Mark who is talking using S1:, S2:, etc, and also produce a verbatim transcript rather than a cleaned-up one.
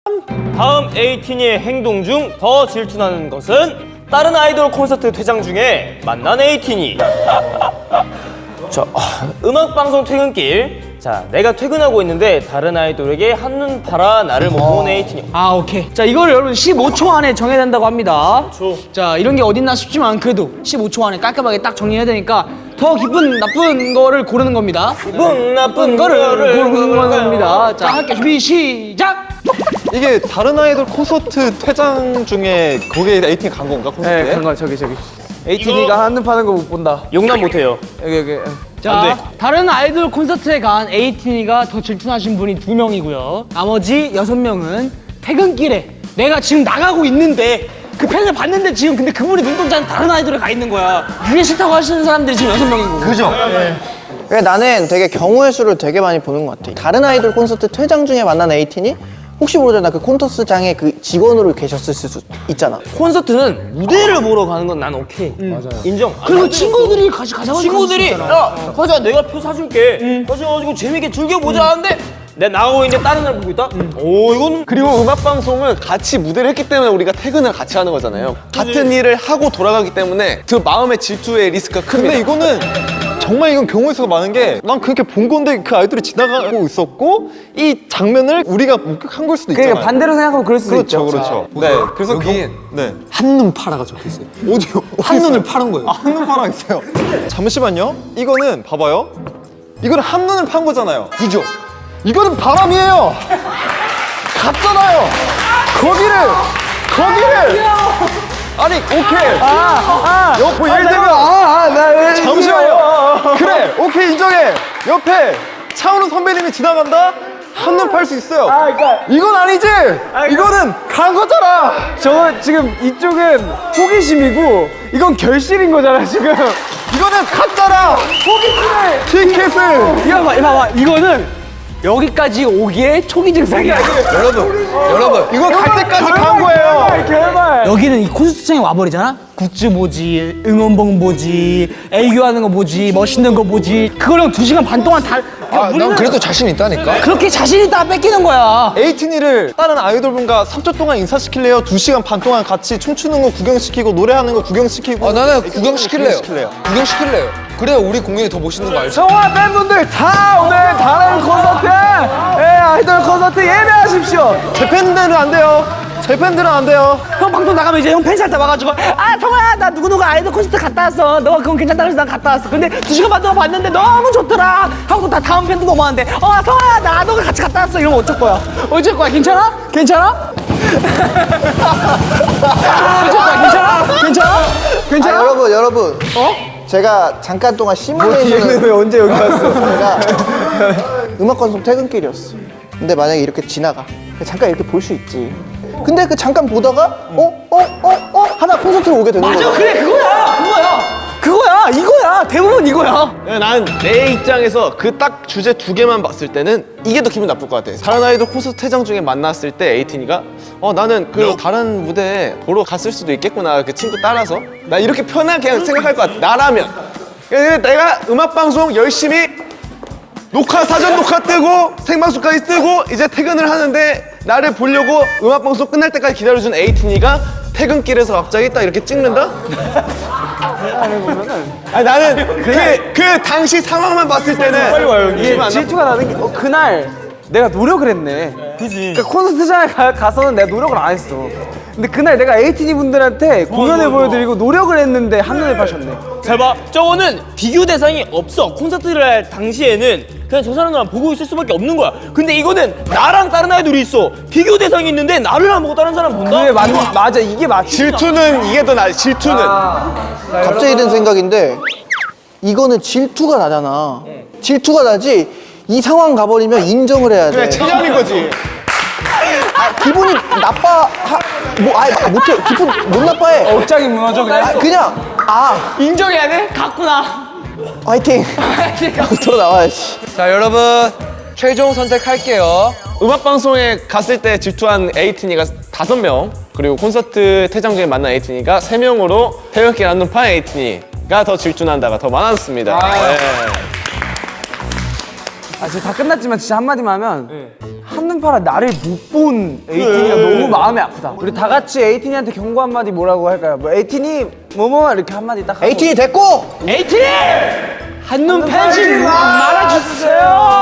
S1: 다음 에이틴의 행동 중 더 질투나는 것은 다른 아이돌 콘서트 퇴장 중에 만난 에이틴이. 자, 음악방송 퇴근길. 자, 내가 퇴근하고 있는데 다른 아이돌에게 한눈 팔아 나를 못 본 에이틴이.
S2: 아, 오케이. 자, 이걸 여러분 십오 초 안에 정해야 된다고 합니다.
S1: 초.
S2: 자, 이런 게 어딨나 싶지만 그래도 십오 초 안에 깔끔하게 딱 정리해야 되니까 더 기쁜 나쁜 거를 고르는 겁니다.
S1: 기분 나쁜
S2: 거를
S1: 거를
S2: 고르는 겁니다. 자, 할게. 준비 시작.
S3: 이게 다른 아이돌 콘서트 퇴장 중에 거기에 에이틴이 간 건가? 콘서트에?
S4: 네, 그런 거 저기 저기. 에이티니가 한눈 파는 거 못 본다.
S1: 용납 못해요.
S4: 여기 여기.
S2: 자, 다른 아이돌 콘서트에 간 에이틴이가 더 질투나신 분이 두 명이고요. 나머지 여섯 명은 퇴근길에 내가 지금 나가고 있는데 그 팬을 봤는데 지금 근데 그분이 눈동자는 다른 아이돌에 가 있는 거야. 그게 싫다고 하시는 사람들이 지금 여섯 명이고.
S5: 그죠?
S6: 그러니까 나는 되게 경우의 수를 되게 많이 보는 것 같아. 다른 아이돌 콘서트 퇴장 중에 만난 에이틴이 혹시 모르잖아. 그 콘서트장에 그 직원으로 계셨을 수 있잖아.
S1: 콘서트는 무대를 보러 가는 건 난 오케이. 맞아요. 인정.
S2: 그리고 친구들이 같이 가자고
S1: 친구들이 야 가자 내가 표 사줄게. 가져가지고 재밌게 즐겨보자 하는데 내가 나가고 있는데 다른 날 보고 있다? 오 이건
S3: 그리고 음악 방송은 같이 무대를 했기 때문에 우리가 퇴근을 같이 하는 거잖아요. 같은 일을 하고 돌아가기 때문에 그 마음의 질투의 리스크가 큽니다.
S5: 근데 이거는 정말 이건 경우의 수가 많은 게 난 그렇게 본 건데 그 아이돌이 지나가고 있었고 이 장면을 우리가 목격한 걸 수도 있잖아요.
S4: 그러니까 반대로 생각하면 그럴 수도
S5: 그렇죠,
S4: 있죠.
S5: 그렇죠. 네, 그래서
S7: 여기
S5: 경- 네.
S7: 한눈 파라가 적혀있어요.
S5: 어디요?
S7: 한눈을 파는 거예요.
S5: 아, 한눈 파랑 있어요. 잠시만요. 이거는 봐봐요. 이거는 한눈을 판 거잖아요. 그죠? 이거는 바람이에요. 갔잖아요. 거기를 거기를 아니 오케이. 아, 아. 뭐 예를 들면
S4: 아아나
S5: 잠시만요. 그래, 오케이 인정해. 옆에 차은우 선배님이 지나간다. 한눈 팔 수 있어요.
S4: 아, 그러니까
S5: 이건 아니지. 이거는 간 거잖아.
S4: 저거 지금 이쪽은 호기심이고 이건 결실인 거잖아 지금.
S5: 이거는 갔잖아. 티켓을.
S2: 이거 봐, 이거 봐봐. 이거는 여기까지 오기에 초기 증상이야.
S7: 여러분, 여러분.
S5: 이거 갈 때까지 간 거예요.
S4: 결말.
S2: 여기는 이 콘서트장에 와버리잖아? 굿즈 보지, 응원봉 보지, 애교하는 거 보지, 멋있는 거 보지. 그거랑 두 시간 반 동안 다.
S7: 아, 난 그래도 자신 있다니까.
S2: 그렇게 자신 있다가 뺏기는 거야.
S5: 에이틴이를 다른 아이돌분과 삼 초 동안 인사시킬래요? 두 시간 반 동안 같이 춤추는 거 구경시키고 노래하는 거 구경시키고
S7: 아, 나는 구경시킬래요.
S5: 구경시킬래요.
S7: 구경시킬래요. 그래야 우리 공연이 더 멋있는 거 알죠?
S4: 성화 팬분들 다 오늘 다른 콘서트, 예, 아이돌 콘서트 예매하십시오.
S5: 제 팬들은 안 돼요. 제 팬들은 안 돼요.
S2: 형 방송 나가면 이제 형 팬사한테 와가지고 아 성아야 나 누구누구 아이돌 콘서트 갔다 왔어. 너가 그건 괜찮다 그래서 난 갔다 왔어. 근데 두 시간 반 동안 봤는데 너무 좋더라. 하고 다 다음 팬도 너무 많은데 어 성아야 나도 같이 갔다 왔어. 이러면 어쩔 거야? 어쩔 거야? 괜찮아? 괜찮아? 어쩔 거야? 괜찮아? 괜찮아?
S6: 아,
S2: 괜찮아?
S6: 여러분, 여러분. 어? 제가 잠깐 동안 시뮬레이션을
S4: 얘는 왜 언제 여기 왔어?
S6: 제가 음악 방송 퇴근길이었어. 근데 만약에 이렇게 지나가. 잠깐 이렇게 볼 수 있지. 근데 그 잠깐 보다가 어? 어? 어? 어? 하나 콘서트로 오게 되는
S2: 맞아
S6: 거야.
S2: 그래 그거야 그거야 그거야 이거야 대부분 이거야.
S3: 난 내 입장에서 그 딱 주제 두 개만 봤을 때는 이게 더 기분 나쁠 것 같아. 다른 아이돌 콘서트 퇴장 중에 만났을 때 에이틴이가 어 나는 그 다른 무대 보러 갔을 수도 있겠구나 그 친구 따라서 나 이렇게 편하게 그냥 생각할 것 같아. 나라면 그래서 내가 음악 방송 열심히 녹화 사전 녹화 뜨고 생방송까지 뜨고 이제 퇴근을 하는데 나를 보려고 음악 방송 끝날 때까지 기다려준 에이틴이가 퇴근길에서 갑자기 딱 이렇게 찍는다? 아니 나는 그, 그 당시 상황만 봤을 때는 빨리 와요
S4: 이게 질투가 나는 게 어, 그날 내가 노력을 했네. 그지. 그러니까 콘서트장에 가, 가서는 내가 노력을 안 했어. 근데 그날 내가 에이티니 분들한테 공연을 보여드리고 노력을 했는데 한눈에 파셨네.
S1: 잘 봐. 저거는 비교 대상이 없어. 콘서트를 할 당시에는 그냥 저 사람들만 보고 있을 수밖에 없는 거야. 근데 이거는 나랑 다른 아이돌이 있어. 비교 대상이 있는데 나를 안 보고 다른 사람 본다?
S4: 그게 맞, 맞아 이게 맞.
S3: 질투는 이게 더 나아. 질투는
S6: 갑자기 든 생각인데 이거는 질투가 나잖아. 질투가 나지. 이 상황 가버리면 인정을 해야 돼.
S3: 체념인 거지.
S6: 아, 기분이 나빠. 하, 뭐, 아예 못해. 기분 못 나빠해.
S4: 억장이 무너져 그냥.
S6: 아, 그냥 아
S2: 인정해야 돼? 갔구나.
S6: 화이팅. 들어 나와야지.
S7: 자, 여러분. 최종 선택할게요.
S3: 음악 방송에 갔을 때 질투한 에이틴이가 다섯 명 그리고 콘서트 퇴장 중에 만난 에이틴이가 세 명으로 태극기 안눈 판 에이틴이가 더 질투난다가 더 많았습니다. 네.
S4: 아 지금 다 끝났지만 진짜 한마디만 하면 한눈 시즌 팔에 나를 못 본 에이틴이가 너무 마음이 아프다. 우리 다 같이 에이틴이한테 경고 한마디 뭐라고 할까요? 뭐 에이틴이 뭐뭐 이렇게 한마디 딱 하고.
S6: 에이틴이 됐고
S2: 에이틴이 한눈 팔지 말아주세요.